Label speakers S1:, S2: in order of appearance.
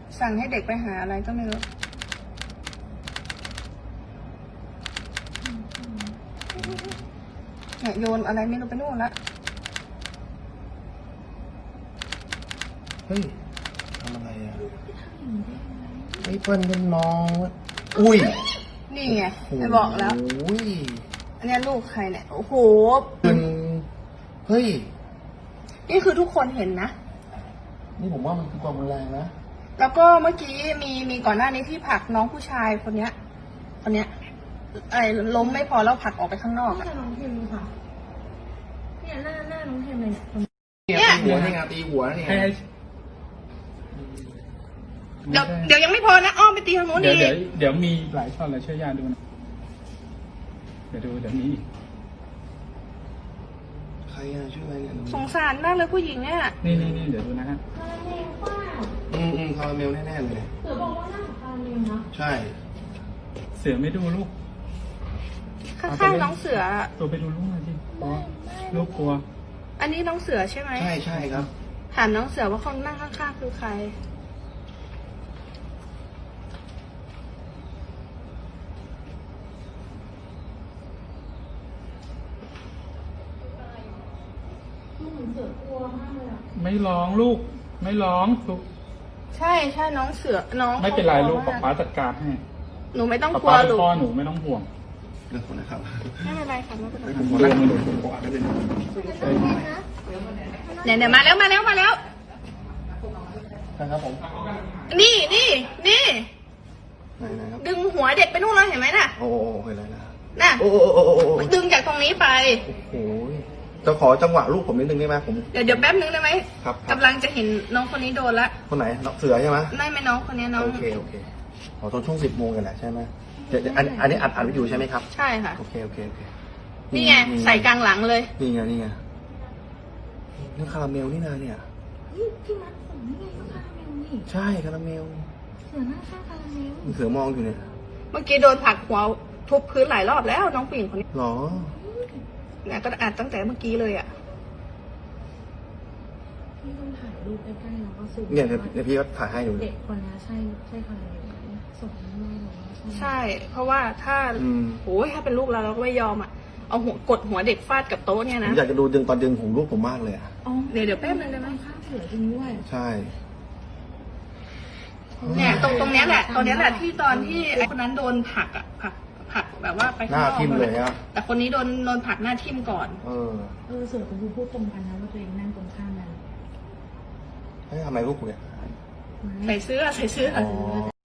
S1: สั่งให้เด็กไปหาอะไรก็ไม่รู้เนี่ยโยนอะไรไม่รู้ไปนู่นละ
S2: เฮ้ยทำอะไรอ่ะไอ้เปิ้ลเป็นน้องอุ้ย
S1: นี่ไงไม่บอกแล้ว
S2: อุ้ย
S1: อันนี้ลูกใครเนี่ยโอ้โห
S2: เป็นเฮ้ย
S1: นี่คือทุกคนเห็นนะ
S2: นี่ผมว่ามันคือความรุนแรงนะ
S1: แล้วก็เมื่อกี้มีก่อนหน้านี้ที่ผลักน้องผู้ชายคนเนี้ยอะไรล้มไม่พอแล้วผลักออกไปข้างนอก
S3: นี่
S1: อะ
S3: น้องเทมค่ะเนี่ยหน้าน้องเทมเลยเนี่ย
S2: เนี่ยตีหัวนี่ไงตีหัวนี่ไง
S1: เดี๋ยวยังไม่พอนะอ้อมไปตีทางโน้น
S4: เดี๋
S1: ดี
S4: ยวมีหลายช็อตเลยช่วยย่าดูนะเดี๋ยวมีอีก
S2: ใครอ่ะชื่ออะไรเนี่ย
S1: สงสารมากเลยผู้หญิงเนี่ย
S4: นี่เดี๋ยวดูนะฮะ
S3: คาราเมลเปล่า
S2: คาราเมลแน่ๆเลย
S3: เสือบอกว่าหน้าของคาราเมลนะ
S2: ใช่
S4: เสือไม่ดูลูก
S1: ข้างๆน้องเสือ
S4: ตัวไปดูลูกหน่อยสิลูกกลัว
S1: อันนี้น้องเสือใช่ไหม
S2: ใช่ครับ
S1: ถามน้องเสือว่าคนนั่งข้างๆคือใคร
S3: เหมือนเสือกลัวมากเลยอ่ะ
S4: ไม่ร้องลูก ไม่ร้องลูก
S1: ใช่น้องเสือน้อง
S4: ไม่เป็นไรลูก
S1: ขา
S4: ป๊าจัดการให้
S1: หนูไม่ต้อง
S4: ป๊าก
S1: ลัว
S4: ป๊าเป็น
S1: ลูก
S4: พ่อหนูไม่ต้องห่วง
S2: เรื่องคนนะครับ
S1: ไม่เป็นไรค่ะไม่เป็นไร
S2: ผมนั่งมาดูผมอ่านไม่เป็น
S1: เนี่ยมาแล้ว
S2: นะครับผม
S1: นี่
S2: ไหนครับ
S1: ดึงหัวเด็กไปนู่นเลยเห็นไหมน่ะ
S2: โอ้เห็นแล้วนะ
S1: น่ะ
S2: โอ้
S1: ดึงจากตรงนี้ไป
S2: โหจะขอจังหวะลูกผมนิดนึงได้ไหมผม
S1: เดี๋ยวแป๊บนึงได้ไหม
S2: ครับ
S1: กำลังจะเห็นน้องคนนี้โดนละ
S2: คนไหนเสือใช่ไหม
S1: ไม่น้องคนนี้น้อง
S2: โอเคขอตอนช่วง10 โมงกันแหละใช่ไหมเดี๋ยวอันนี้อัดวิดีโอใช่ไหมครับ
S1: ใช่ค่ะ
S2: โอเค
S1: นี่ไงใส่กลางหลังเลย
S2: นี่ไงนี่คาราเมลนี่นาเนี่ย
S3: พี่มัดผมนี่ไงก็คาราเมลนี่
S2: ใช่คาราเมล
S3: เสือหน้าข้างคาราเมล
S2: เสือมองอยู่เนี่ย
S1: เมื่อกี้โดนผลักหัวทุบพื้นหลายรอบแล้วน้องผู้หญิงคนนี้
S2: หรอ
S1: เนี่ยก็อัดตั้งแต่เมื่อกี้เลยอ่ะ
S3: พี่ต้องถ่ายรูปใกล้ๆแล้วก็ซูม
S2: เนี่ยเดี๋ยวพี่ก็ถ่ายให้ดู
S3: เด็กคนนี้ใช่คาราเมลไหมส่งให้แม่หนูว่าใช่
S1: ใช่ เพราะว่าถ้าโอ้ยถ้าเป็นลูกเราก็ไม่ยอมอ่ะเอาหัวกดหัวเด็กฟาดกับโต๊ะเนี่ย
S2: ผม
S1: นะ
S2: อยากจะดูตอนดึงของลูกผมมากเลยอ่ะ
S3: อ๋อ
S1: เดี๋ยวแป๊บนึงได้ไหม
S3: ข้างเสือจริงด้วย
S2: ใช่
S1: เนี่ยตรงเนี้ยแหละที่ตอนที่ไอ้คนนั้นโดนผลักอ่ะผลักแบบว่าไป
S2: หน้าทิ่มเลยอะ
S1: แต่คนนี้โดนผลักหน้าทิ่มก่อน
S3: เสือเป็นผู้พูดตรงกันนะว่าตัวเองนั่งตรงข้ามกัน
S2: ทำไมลูกกูเนี่ย
S1: ใส่เสื้อ
S2: อ๋อ